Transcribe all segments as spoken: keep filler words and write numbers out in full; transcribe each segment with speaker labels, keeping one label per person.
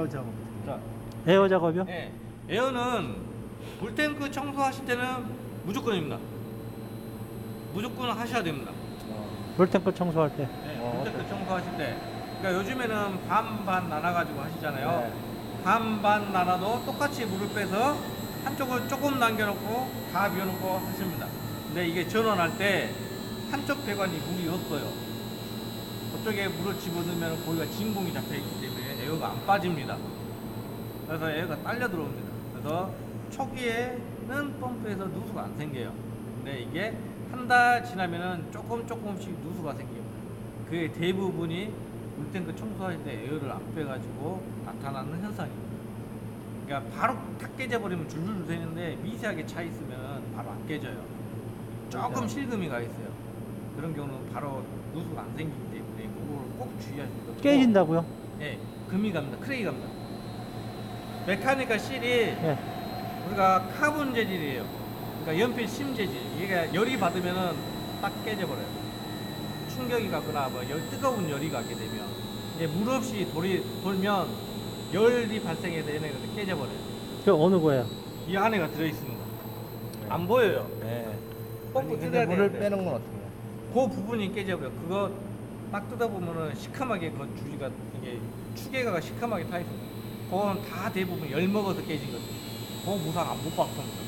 Speaker 1: 에어 작업.
Speaker 2: 자,
Speaker 3: 에어 작업이요?
Speaker 2: 네. 에어는 물탱크 청소하실 때는 무조건입니다. 무조건 하셔야 됩니다.
Speaker 3: 물탱크 청소할 때.
Speaker 2: 네,
Speaker 1: 어,
Speaker 2: 물탱크 청소하실 때. 그러니까 요즘에는 반반 나눠가지고 하시잖아요.
Speaker 1: 네.
Speaker 2: 반반 나눠도 똑같이 물을 빼서 한쪽을 조금 남겨놓고 다 비워놓고 하십니다. 근데 이게 전원할 때 한쪽 배관이 물이 없어요. 그쪽에 물을 집어넣으면 거기가 진공이 잡혀있기 때문에 에어가 안 빠집니다. 그래서 에어가 딸려 들어옵니다. 그래서 초기에는 펌프에서 누수가 안 생겨요. 근데 이게 한 달 지나면은 조금 조금씩 누수가 생깁니다. 그게 대부분이 물탱크 청소할 때 에어를 안 빼가지고 나타나는 현상입니다. 그러니까 바로 탁 깨져버리면 줄줄 새는데 미세하게 차 있으면 바로 안 깨져요. 조금 실금이 가 있어요. 그런 경우는 바로 누수가 안 생기기 때문에 그걸 꼭 주의하셔야 돼요.
Speaker 3: 깨진다고요?
Speaker 2: 네, 금이 갑니다. 크레이 갑니다. 메카니컬 실이
Speaker 3: 예.
Speaker 2: 우리가 카본 재질이에요. 그러니까 연필 심 재질. 이게 열이 받으면은 딱 깨져버려요. 충격이 가거나 뭐 열, 뜨거운 열이 가게 되면 이제 물 없이 돌이 돌면 열이 발생해서 얘네가 깨져버려요.
Speaker 3: 그 어느 거예요?
Speaker 2: 이 안에가 들어있습니다. 안 보여요.
Speaker 1: 네.
Speaker 2: 펌프
Speaker 1: 근데
Speaker 2: 뜯어야
Speaker 1: 물을
Speaker 2: 되는데
Speaker 1: 빼는 건 어떻게 해요?
Speaker 2: 그 부분이 깨져버려. 그거 딱 뜯어보면은 시커멓게 그 주지가 이게 추계가 시커멓게 타 있습니다. 그건 다 대부분 열 먹어서 깨진 거죠. 그 무상 안 못 받습니다.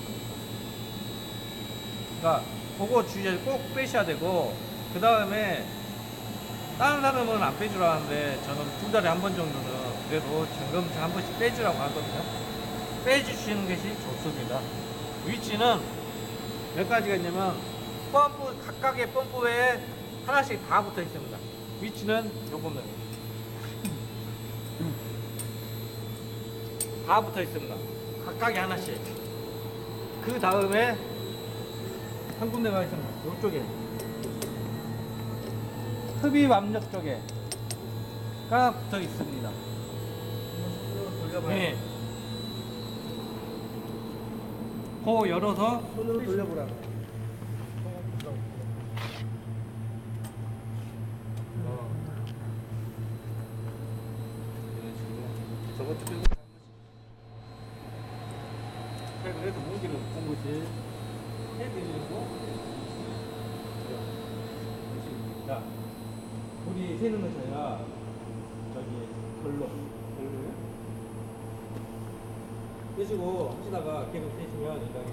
Speaker 2: 그러니까 그거 주의를 꼭 빼셔야 되고 그 다음에 다른 사람은 안 빼주라 하는데 저는 두 달에 한 번 정도는 그래도 점검차 한 번씩 빼주라고 하거든요. 빼주시는 것이 좋습니다. 위치는 몇 가지가 있냐면 펌프 각각의 펌프에 하나씩 다 붙어 있습니다. 위치는 요겁니다. 다 붙어 있습니다. 각각에 하나씩. 그 다음에 한 군데가 있습니다. 요쪽에 흡입 압력 쪽에가 붙어 있습니다. 네. 코 열어서
Speaker 1: 손으로 돌려보라.
Speaker 2: 저것도 빼고 그래서 무기를 본 것이 해드리고 자 물이 새는 것이 아니라 저기 걸로 걸로요 빼시고 하시다가 계속 새시면 이렇게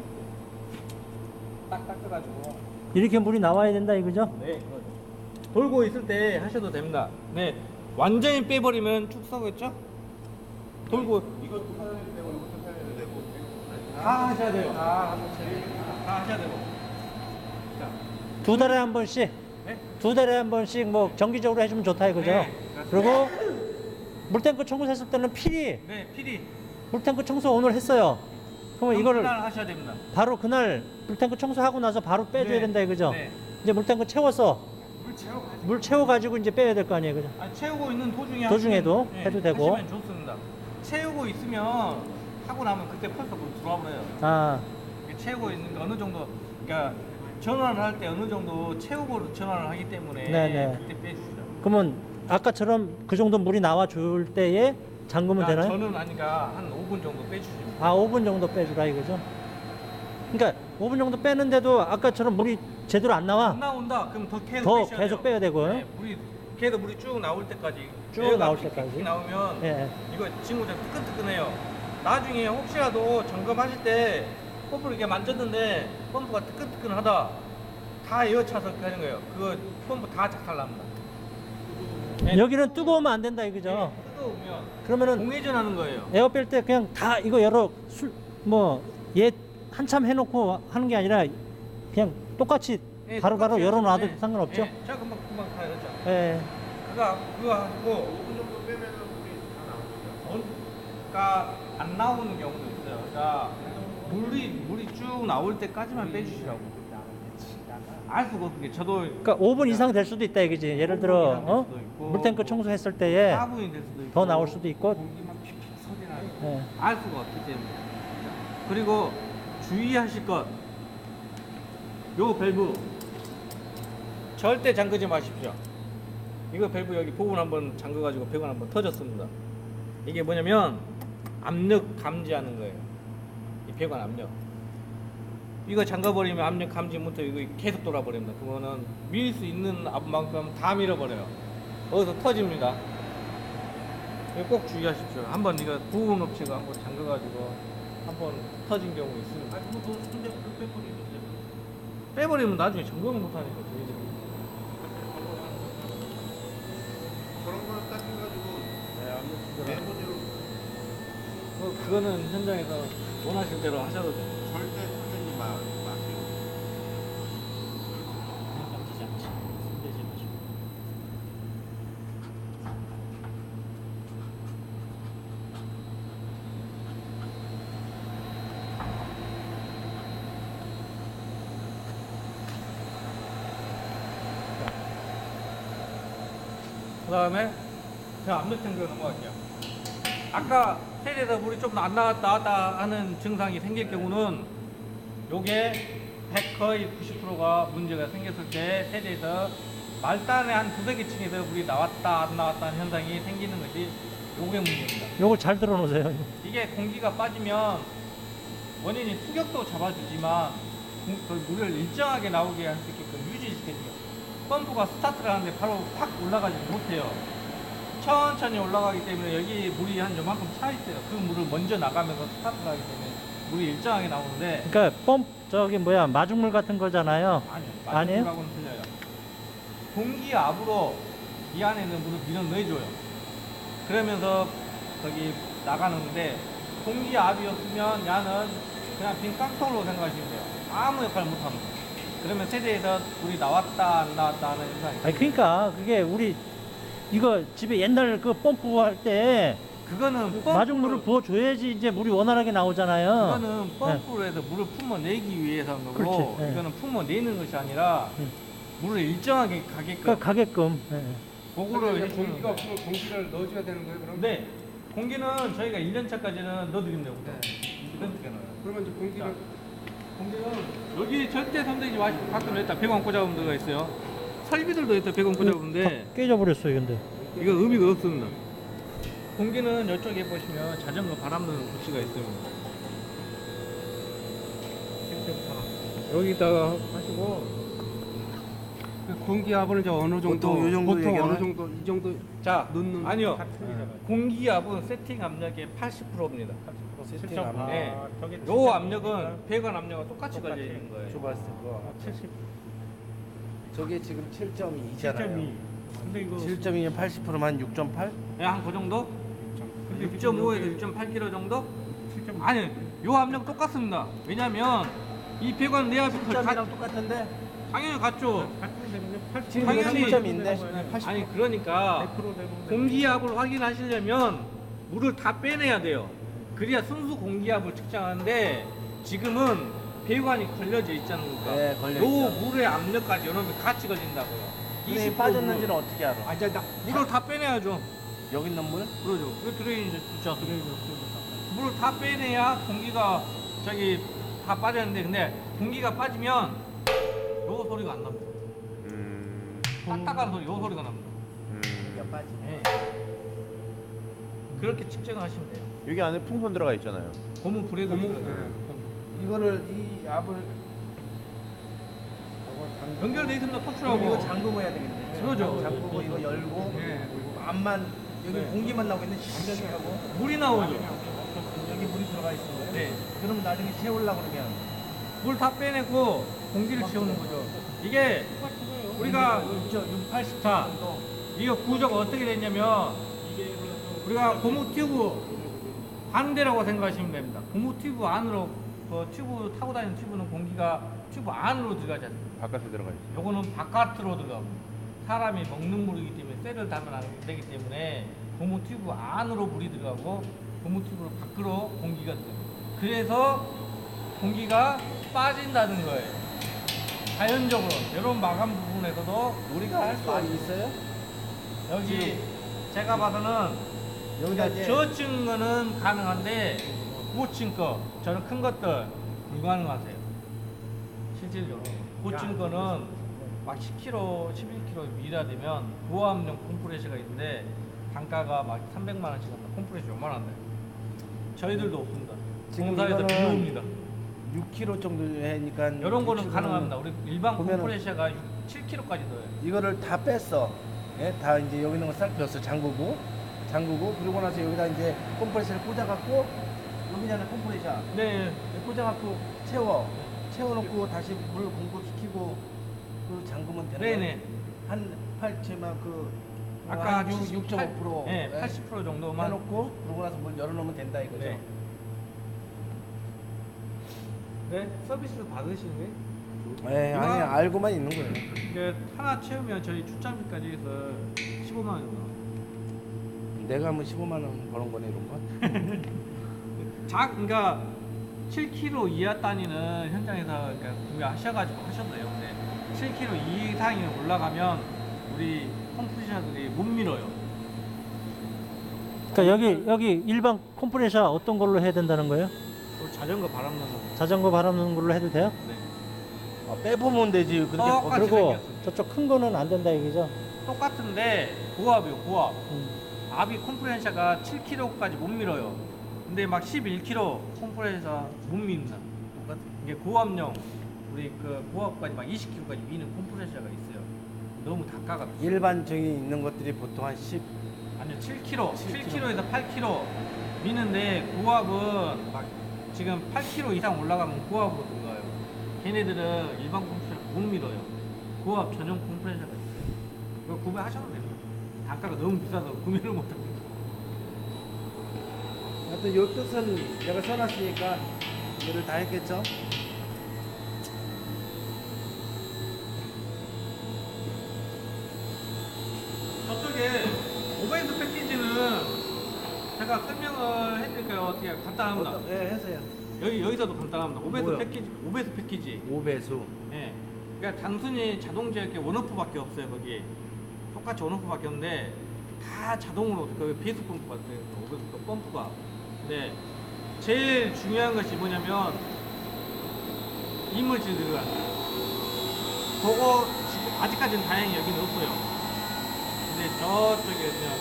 Speaker 2: 딱 닦아가지고
Speaker 3: 이렇게 물이 나와야 된다 이거죠?
Speaker 2: 네 그거죠. 돌고 있을 때 하셔도 됩니다. 네 완전히 빼버리면 쭉 썩었죠? 돌고
Speaker 4: 이것도 사장님 되고 이것도 사장님 되고
Speaker 2: 다 하셔야 돼요. 다, 다 하셔야 되고. 자,
Speaker 3: 두 달에 한 번씩,
Speaker 2: 네?
Speaker 3: 두 달에 한 번씩 뭐 정기적으로 해주면 좋다 이거죠?
Speaker 2: 네,
Speaker 3: 그리고 물탱크 청소했을 때는 필히
Speaker 2: 네, 필히.
Speaker 3: 물탱크 청소 오늘 했어요. 그러면 이거를
Speaker 2: 그날 하셔야 됩니다.
Speaker 3: 바로 그날 물탱크 청소하고 나서 바로 빼줘야
Speaker 2: 네,
Speaker 3: 된다 이거죠?
Speaker 2: 네.
Speaker 3: 이제 물탱크 채워서
Speaker 2: 물 채워가지고.
Speaker 3: 물 채워가지고 이제 빼야 될 거 아니에요, 그죠?
Speaker 2: 아, 채우고 있는 도중에
Speaker 3: 도중에도
Speaker 2: 하시면,
Speaker 3: 해도 되고.
Speaker 2: 하시면 좋습니다. 채우고 있으면 하고 나면 그때 벌써 물 들어와 버려요.
Speaker 3: 아,
Speaker 2: 이게 채우고 있는 게 어느 정도, 그러니까 전환을 할 때 어느 정도 채우고 전환을 하기 때문에
Speaker 3: 네네.
Speaker 2: 그때 빼주시죠.
Speaker 3: 그러면 아까처럼 그 정도 물이 나와 줄 때에 잠그면
Speaker 2: 그러니까
Speaker 3: 되나요?
Speaker 2: 저는 아니까 한 오 분 정도 빼주시면.
Speaker 3: 아, 오 분 정도 빼주라 이거죠? 그러니까 오 분 정도 빼는데도 아까처럼 물이 제대로 안 나와?
Speaker 2: 안 나온다. 그럼 더 계속
Speaker 3: 더
Speaker 2: 빼셔야
Speaker 3: 계속
Speaker 2: 돼요.
Speaker 3: 빼야 되고요?
Speaker 2: 네, 물이 계속 물이 쭉 나올 때까지
Speaker 3: 쭉
Speaker 2: 에어가
Speaker 3: 나올
Speaker 2: 픽픽
Speaker 3: 때까지?
Speaker 2: 나오면
Speaker 3: 예.
Speaker 2: 이거 친구들 뜨끈뜨끈해요. 나중에 혹시라도 점검하실 때 펌프를 이렇게 만졌는데 펌프가 뜨끈뜨끈하다. 다 에어 차서 하는 거예요. 그거 펌프 다 작살납니다. 네.
Speaker 3: 여기는 뜨거우면 안 된다 이거죠?
Speaker 2: 네, 뜨거우면
Speaker 3: 그러면은
Speaker 2: 공회전하는 거예요.
Speaker 3: 에어 뺄 때 그냥 다 이거 열어 술 뭐 얘 한참 해놓고 하는 게 아니라 그냥 똑같이
Speaker 2: 네,
Speaker 3: 바로바로
Speaker 2: 똑같이
Speaker 3: 열어놔도
Speaker 2: 해서, 네.
Speaker 3: 상관없죠?
Speaker 2: 네, 제가 금방 금방 다 열었죠.
Speaker 3: 예.
Speaker 2: 그거 그거 하고
Speaker 4: 오 분 정도 빼면은 물이 다 나오죠.
Speaker 2: 그러니까 안 나오는 경우도 있어요. 그러니까 물이 물이 쭉 나올 때까지만 빼주시라고. 알 수가 없게 저도
Speaker 3: 그러니까 오 분 이상 될 수도 있다 이거지. 예를 들어
Speaker 2: 이상 될
Speaker 3: 어?
Speaker 2: 수도 있고,
Speaker 3: 물탱크 청소했을 때에
Speaker 2: 사 분이 될 수도 있고
Speaker 3: 더 나올 수도 있고.
Speaker 2: 공기만 픽픽 소리 나고
Speaker 3: 예.
Speaker 2: 알 수가 없기 때문에. 그리고 주의하실 것, 요 밸브 절대 잠그지 마십시오. 이거 밸브 여기 부분 한번 잠궈가지고 배관 한번 터졌습니다. 이게 뭐냐면 압력 감지하는 거예요. 이 배관 압력. 이거 잠가버리면 압력 감지 모터 이거 계속 돌아버립니다. 그거는 밀 수 있는 압만큼 다 밀어버려요. 거기서 터집니다. 이거 꼭 주의하십시오. 한번 이거 부분 업체가 한번 잠가가지고 한번 터진 경우 있습니다.
Speaker 4: 아니 그거 근데 그 빼버리면
Speaker 2: 빼버리면 나중에 점검을 못하니까 저희들이.
Speaker 4: 그런 거는 딱 해가지고 내부대로
Speaker 2: 그, 그거는 현장에서 원하실 대로 하셔도 돼요.
Speaker 4: 절대 선생님 마 마세요.
Speaker 3: 깜짝이지 않지. 손대지 마시고.
Speaker 2: 그 다음에 제가 압력 탱크로 넘어갈게요. 아까 세대에서 물이 좀 안 나왔다 나왔다 하는 증상이 생길 경우는 요게 백 거의 구십 퍼센트가 문제가 생겼을 때 세대에서 말단의 한 두세 개 층에서 물이 나왔다 안 나왔다 하는 현상이 생기는 것이 요게 문제입니다.
Speaker 3: 요걸 잘 들어놓으세요.
Speaker 2: 이게 공기가 빠지면 원인이 수격도 잡아주지만 공- 그 물을 일정하게 나오게 할 수 있게끔 유지시켜줘요. 펌프가 스타트를 하는데 바로 확 올라가지 못해요. 천천히 올라가기 때문에 여기 물이 한 요만큼 차 있어요. 그 물을 먼저 나가면서 스타트를 하기 때문에 물이 일정하게 나오는데
Speaker 3: 그러니까 펌 저기 뭐야 마중물 같은 거잖아요.
Speaker 2: 아니요.
Speaker 3: 아니에요?
Speaker 2: 마중물하고는 틀려요. 공기압으로 이 안에는 물을 밀어 넣어줘요. 그러면서 거기 나가는데 공기압이었으면 야는 그냥 빈 깡통으로 생각하시면 돼요. 아무 역할 못합니다. 그러면 세대에서 물이 나왔다 안 나왔다 하는 현상이
Speaker 3: 아니 그러니까 그게 우리 이거 집에 옛날 그 펌프 할 때
Speaker 2: 그거는 펌프로,
Speaker 3: 마중물을 부어 줘야지 이제 물이 원활하게 나오잖아요.
Speaker 2: 그거는 펌프로 해서 물을 품어내기 위해서 한 거고
Speaker 3: 그렇지, 예.
Speaker 2: 이거는 품어내는 것이 아니라
Speaker 3: 음.
Speaker 2: 물을 일정하게 가게끔
Speaker 3: 그 가게끔. 예.
Speaker 2: 그거를 해주는
Speaker 1: 공기가
Speaker 2: 거예요.
Speaker 1: 없으면 공기를 넣어줘야 되는 거예요, 그럼?
Speaker 2: 네. 공기는 저희가 일 년 차까지는 넣어드립니다.
Speaker 1: 네.
Speaker 2: 이런 식으로 넣어요.
Speaker 1: 그러면 이제 공기를
Speaker 2: 공기는 여기 절대 손대지 마시고 가끔 여기다 백원 꽂아보면 들어가 있어요. 설비들도 여기다 백원 꽂아보는데
Speaker 3: 다 깨져버렸어요, 근데.
Speaker 2: 이거 의미가 없습니다. 공기는 이쪽에 보시면 자전거 바람 넣는 구치가 있습니다. 여기다가 하시고
Speaker 1: 그 공기압은 이제 어느 정도
Speaker 4: 보통 요 정도
Speaker 1: 보통 어느
Speaker 4: 얘기하나요?
Speaker 1: 정도 이 정도
Speaker 2: 자
Speaker 1: 넣는
Speaker 2: 아니요
Speaker 1: 다 틀리잖아요.
Speaker 2: 공기압은 세팅 압력의 팔십 퍼센트입니다.
Speaker 4: 세팅
Speaker 2: 요
Speaker 4: 압력.
Speaker 2: 네. 압력은 배관 압력과 똑같이 걸려 있는 거예요.
Speaker 4: 좁았을 거.
Speaker 2: 칠십.
Speaker 4: 저게 지금 칠 점 이잖아요.
Speaker 2: 근데 이거
Speaker 4: 칠 점 이면 팔십 퍼센트면 한 육 점 팔?
Speaker 2: 네, 한그 정도? 육 점 오에서 육 점 팔 킬로그램 정도? 아니, 요 압력 똑같습니다. 왜냐면 이 배관 내압이
Speaker 4: 칠점이랑 똑같은데?
Speaker 2: 당연히 같죠.
Speaker 4: 지금
Speaker 2: 당연히
Speaker 4: 칠 점인데?
Speaker 2: 아니 그러니까 공기압을 확인하시려면 물을 다 빼내야 돼요. 그래야 순수 공기압을 측정하는데 지금은 배관이 걸려져 있지 않습니까?
Speaker 4: 네, 걸려
Speaker 2: 요
Speaker 4: 있죠.
Speaker 2: 물의 압력까지 여러분 같이 걸린다고요.
Speaker 4: 근데
Speaker 2: 이십 퍼센트
Speaker 4: 빠졌는지는 어떻게 알아?
Speaker 2: 아, 이제 나, 물을 다 빼내야죠.
Speaker 4: 여기 있는 물?
Speaker 2: 그러죠. 그 드레인이 있죠. 드레인 물을 다 빼내야 공기가 저기 다 빠졌는데 근데 공기가 빠지면 요 소리가 안 납니다.
Speaker 4: 음.
Speaker 2: 딱딱한 소리, 요 소리가 납니다.
Speaker 4: 음.
Speaker 2: 네. 그렇게 측정을 하시면 돼요.
Speaker 4: 여기 안에 풍선 들어가 있잖아요.
Speaker 2: 고무 브레이드
Speaker 4: 이거를 이 압을
Speaker 2: 연결돼 있습니다. 터치라고.
Speaker 4: 이거 잠그고 해야 되겠네.
Speaker 2: 그러죠.
Speaker 4: 잠그고 이거 열고
Speaker 2: 네.
Speaker 4: 압만 여기
Speaker 2: 네.
Speaker 4: 공기만 나오고 있는데 잠겨지고
Speaker 2: 물이 나오죠.
Speaker 4: 여기 물이 들어가 있는 거예요.
Speaker 2: 네.
Speaker 4: 그럼 나중에 채우려고 그러면
Speaker 2: 물 다 빼내고 공기를 채우는 거죠. 이게 우리가
Speaker 4: 육, 팔십
Speaker 2: 자,
Speaker 4: 정도.
Speaker 2: 이거 구조가 어떻게 됐냐면 우리가 고무 튜브 반대라고 생각하시면 됩니다. 고무 튜브 안으로 그 튜브 타고 다니는 튜브는 공기가 튜브 안으로 들어가지 않습니다.
Speaker 4: 바깥에 들어가 있어요.
Speaker 2: 요거는 바깥으로 들어가고 사람이 먹는 물이기 때문에 쇠를 달면 안 되기 때문에 고무 튜브 안으로 물이 들어가고 고무 튜브 밖으로 공기가 들어가요. 그래서 공기가 빠진다는 거예요. 자연적으로 이런 마감 부분에서도
Speaker 4: 우리가 할 수 있어요?
Speaker 2: 여기 제가 봐서는
Speaker 4: 여기다 이제
Speaker 2: 저층 거는 가능한데 고층 거 저는 큰 것들 불가능하세요. 실질적으로 고층 거는 막 십 킬로그램, 십일 킬로그램 미라 되면 고압용 컴프레셔가 있는데 단가가 막 삼백만 원씩 한다. 컴프레셔 요만한데. 저희들도 없습니다.
Speaker 4: 지금
Speaker 2: 공사에서
Speaker 4: 이거는
Speaker 2: 비웁니다.
Speaker 4: 육 킬로그램 정도 하니까
Speaker 2: 이런 거는 가능합니다. 우리 일반
Speaker 4: 보면은
Speaker 2: 컴프레셔가 칠 킬로그램까지 넣어요.
Speaker 4: 이거를 다 뺐어. 예? 다 이제 여기 있는 거 싹 뺐어. 잠그고 잠그고 그러고 나서 여기다 이제 컴프레셔를 꽂아갖고 여기잖아 컴프레셔.
Speaker 2: 네.
Speaker 4: 꽂아갖고 채워 채워놓고 다시 물 공급시키고 그 잠그면 되는 거야.
Speaker 2: 네네.
Speaker 4: 한 팔체만 그
Speaker 2: 아까
Speaker 4: 한 육 점 오 퍼센트
Speaker 2: 네, 팔십 퍼센트 정도만
Speaker 4: 해놓고 그러고 나서 물 열어놓으면 된다 이거죠.
Speaker 2: 네. 네, 서비스 받으시는데?
Speaker 4: 네, 아니
Speaker 2: 이거-
Speaker 4: 알고만 있는 거예요.
Speaker 2: 이게 하나 채우면 저희 출장비까지 해서 십오만 원 정도.
Speaker 4: 내가 한번 십오만 원 버는 거네 이런 건.
Speaker 2: 자, 그러니까 칠 킬로그램 이하 단위는 현장에서 그러니까 구매하셔가지고 하셔도 돼요. 근데 칠 킬로그램 이상이 올라가면 우리 컴프레셔들이 못 밀어요.
Speaker 3: 그러니까 여기 여기 일반 컴프레셔 어떤 걸로 해야 된다는 거예요?
Speaker 2: 그 자전거 바람 넣는 거.
Speaker 3: 자전거 바람 넣는 걸로 해도 돼요?
Speaker 2: 네.
Speaker 4: 아, 빼보면 되지. 그렇게
Speaker 2: 어,
Speaker 4: 버-
Speaker 2: 똑같이
Speaker 3: 그리고
Speaker 2: 생겼어요.
Speaker 3: 저쪽 큰 거는 안 된다 얘기죠?
Speaker 2: 똑같은데 고압이요, 고압.
Speaker 3: 음.
Speaker 2: 압이 컴프레셔가 칠 킬로그램까지 못 밀어요. 근데 막 십일 킬로그램 컴프레셔 못 밉니다. 똑같은 이게 고압용 우리 그 고압까지 막 이십 킬로그램까지 미는 컴프레셔가 있어요. 너무 단가가 비싸요.
Speaker 4: 일반적인 있는 것들이 보통 한 십.
Speaker 2: 아니요, 칠 킬로그램,
Speaker 4: 칠
Speaker 2: 칠 킬로그램에서 팔 킬로그램 미는데 고압은 막 지금 팔 킬로그램 이상 올라가면 고압으로 들어가요. 걔네들은 일반 컴프레셔 못 밀어요. 고압 전용 컴프레셔가 있어요. 그거 구매하셔도 됩니다. 단가가 너무 비싸서 구매를 못합니다.
Speaker 4: 하여튼 요 뜻은 내가 써놨으니까 이거를 다 했겠죠?
Speaker 2: 저쪽에 오벤스 패키지는 제가 설명을 해드릴까요? 어떻게 간단합니다.
Speaker 4: 어떤- 네, 해서요.
Speaker 2: 여기 여기서도 간단합니다. 오벤스
Speaker 4: 뭐요?
Speaker 2: 패키지, 오벤스 패키지.
Speaker 4: 오 배수.
Speaker 2: 예. 그러니까 단순히 자동제 이렇게 원오프밖에 없어요. 거기 똑같이 원오프밖에 없는데 다 자동으로 그 비에스 펌프가 있어요. 오벤스 그 펌프가. 근데 제일 중요한 것이 뭐냐면 이물질 들어가는 거. 그거 지금 아직까지는 다행히 여기는 없어요. 근데 저쪽에 그냥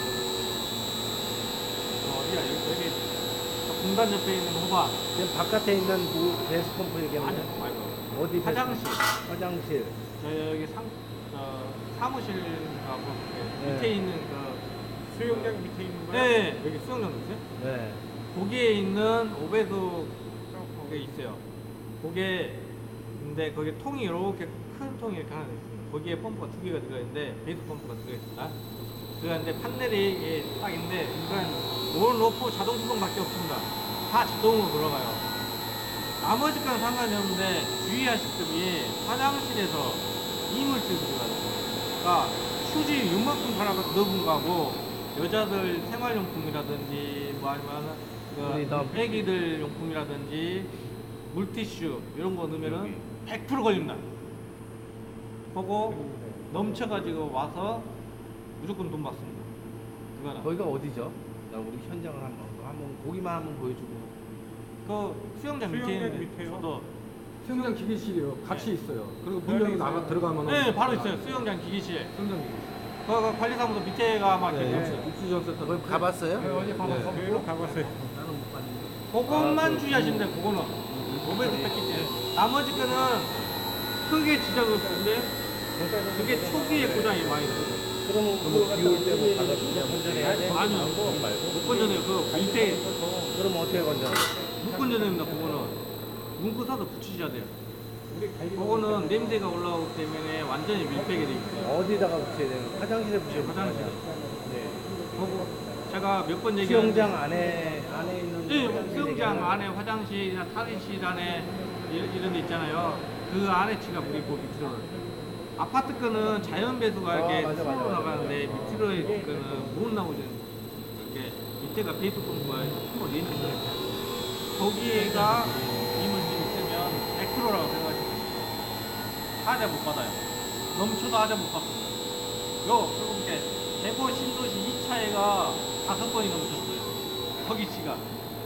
Speaker 2: 어, 어디야 여기, 여기 저 공단 옆에 있는 호박
Speaker 4: 지금 바깥에 있는 그 배수 펌프 얘기하는
Speaker 2: 아니
Speaker 4: 거예요?
Speaker 2: 말고
Speaker 4: 어디 배수
Speaker 2: 화장실.
Speaker 4: 펌프? 화장실.
Speaker 2: 저 여기 상 저, 사무실하고 이렇게
Speaker 4: 네.
Speaker 2: 밑에 있는 그
Speaker 1: 수영장 밑에 있는 거야?
Speaker 2: 네 여기 수영장 있어요?
Speaker 4: 네.
Speaker 2: 거기에 있는 오배수 그게 있어요. 거기에 근데 거기 통이 이렇게 큰 통이 이렇게 하나 있습니다. 거기에 펌프가 두 개가 들어있는데 베이스 펌프가 들어있습니다. 그런데 판넬이 예, 딱 있는데 이건 원 로프 자동 수동밖에 없습니다. 다 자동으로 돌아가요. 나머지 건 상관이 없는데 주의하실 점이 화장실에서 이물질 들어가요. 그러니까 휴지 요만큼 갈아서 넣은 거하고 여자들 생활용품이라든지 뭐 아니면
Speaker 4: 우리 나-
Speaker 2: 그 애기들 용품이라든지 물티슈 이런 거 넣으면은 백 퍼센트 걸립니다. 그거 넘쳐가지고 와서 무조건 돈 받습니다. 그거는
Speaker 4: 거기가 어디죠? 나 우리 현장을 한번 한번 보기만 한번 보여주고.
Speaker 2: 그 수영장 밑에
Speaker 1: 수영장
Speaker 2: 있는
Speaker 1: 밑에요?
Speaker 2: 저도
Speaker 1: 수영장 기계실이요. 같이
Speaker 2: 네.
Speaker 1: 있어요. 그리고 문 열고 나가 들어가면
Speaker 2: 네 바로 있어요. 수영장 기기실.
Speaker 1: 수영장 기계실.
Speaker 2: 그 관리사무소 밑에가 막
Speaker 4: 네.
Speaker 2: 이렇게
Speaker 1: 네. 입수전센터.
Speaker 4: 거기 가봤어요?
Speaker 1: 네, 어제 가봤어.
Speaker 2: 네.
Speaker 1: 네. 가봤어요.
Speaker 4: 나는 못 봤는데.
Speaker 2: 그것만
Speaker 4: 아, 그-
Speaker 2: 주의하시면 돼요. 그거는 오벤스 패키지. 나머지 거는 크게 지장이 없는데 그게 초기에 고장이 많이 나요.
Speaker 4: 그러면 그거 비올 때뭐 가서 건전해야 돼?
Speaker 2: 아니요. 못 건져내요. 그 밑에
Speaker 4: 그러면 어떻게 건져?
Speaker 2: 못 건져냅니다. 그거는 문구 사서 붙이셔야 돼요. 그거는 냄새가 올라오기 때문에 완전히 밀폐게 돼 있어요.
Speaker 4: 어디다가 붙여야 되는 거야? 화장실에 붙여야 되는
Speaker 2: 화장실에.
Speaker 4: 거야? 네.
Speaker 2: 그거 제가 몇 번 얘기했는데
Speaker 4: 수영장 안에 안에 있는
Speaker 2: 네,
Speaker 4: 화장실
Speaker 2: 수영장
Speaker 4: 얘기하는
Speaker 2: 안에 화장실이나 탈의실 안에 이런, 이런 데 있잖아요. 그 안에 치가 물이 그 밑으로 올라요. 아파트 거는 자연 배수가
Speaker 4: 아,
Speaker 2: 이렇게
Speaker 4: 맞아, 맞아,
Speaker 2: 수로로
Speaker 4: 맞아.
Speaker 2: 나가는데 밑으로 있는 거는 못 나오죠. 이렇게 밑에가 배수 펌프가 한번 내리는 거예요. 거기에가 이물질 있으면 백 퍼센트라고 생각하시면 돼요. 하자 못 받아요. 넘쳐도 하자 못 받습니다. 요, 그렇게 대구 신도시 이 차에가 다섯 번이 넘쳤어요. 거기 치가.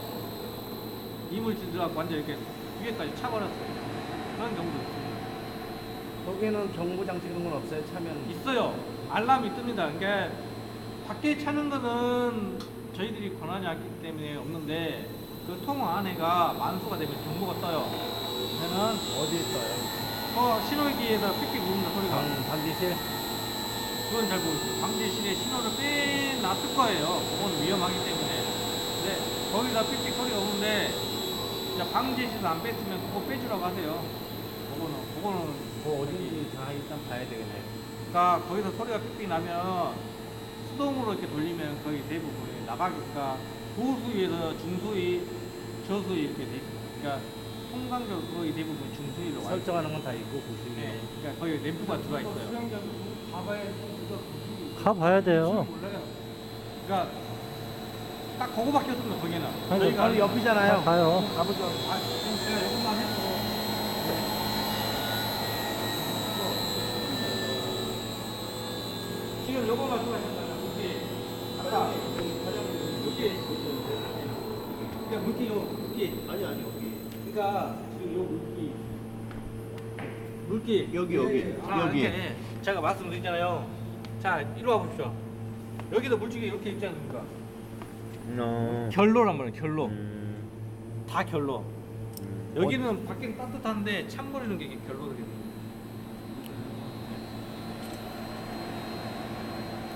Speaker 2: 이물질 들어가고 완전 이렇게 위에까지 차버렸어요. 그런 경우도 있습니다.
Speaker 4: 거기는 경보 장치 그런 건 없어요? 차면
Speaker 2: 있어요. 알람이 뜹니다. 그러니까 밖에 차는 거는 저희들이 권한이 없기 때문에 없는데 그 통 안에가 만수가 되면 경보가 떠요. 그러면
Speaker 4: 어디에 써요?
Speaker 2: 어 신호기에다 삑삑 누른다 소리가.
Speaker 4: 방, 방지실?
Speaker 2: 그건 잘 모르겠어요. 방지실에 신호를 빼놨을 거예요. 그건 위험하기 때문에. 근데 거기다 삑삑 소리가 오는데 이제 방지실 안 뺐으면 그거 빼주라고 하세요. 그거는 그거는
Speaker 4: 뭐 어딘지 다 일단 봐야 되겠네.
Speaker 2: 그러니까 거기서 소리가 삑삑 나면 수동으로 이렇게 돌리면 거의 대부분이 나가니까 고수위에서 중수위, 저수위 이렇게 돼 있어요. 그러니까 통상적으로 거의 대부분 중수위로 와 있어요.
Speaker 4: 설정하는 건 다 있고 보시면.
Speaker 2: 네, 그러니까 거기 램프가 들어와 있어요.
Speaker 1: 수영장도 가봐야
Speaker 3: 가봐야 돼요.
Speaker 2: 몰라요. 그러니까 딱 그거밖에 없습니다. 거기는.
Speaker 3: 아니,
Speaker 2: 저희가
Speaker 4: 바로 옆이잖아요.
Speaker 3: 가요.
Speaker 4: 가보죠.
Speaker 2: 아, 그럼 제가 이것만 해도 지금 요거 말씀하셨잖아요. 물기. 아까 물기. 그러니까 물기요. 물기.
Speaker 4: 아니 아니 여기.
Speaker 2: 그러니까 지금 요 물기. 물기.
Speaker 4: 여기 여기
Speaker 2: 아,
Speaker 4: 여기.
Speaker 2: 이렇게 제가 말씀드렸잖아요. 자, 이리 와 보십시오. 여기도 물줄기 이렇게 있지 않습니까?
Speaker 4: 어.
Speaker 2: 결로란 말이에요. 결로.
Speaker 4: 음.
Speaker 2: 다 결로. 여기는 밖에는 따뜻한데 찬물이는 게 결로거든요.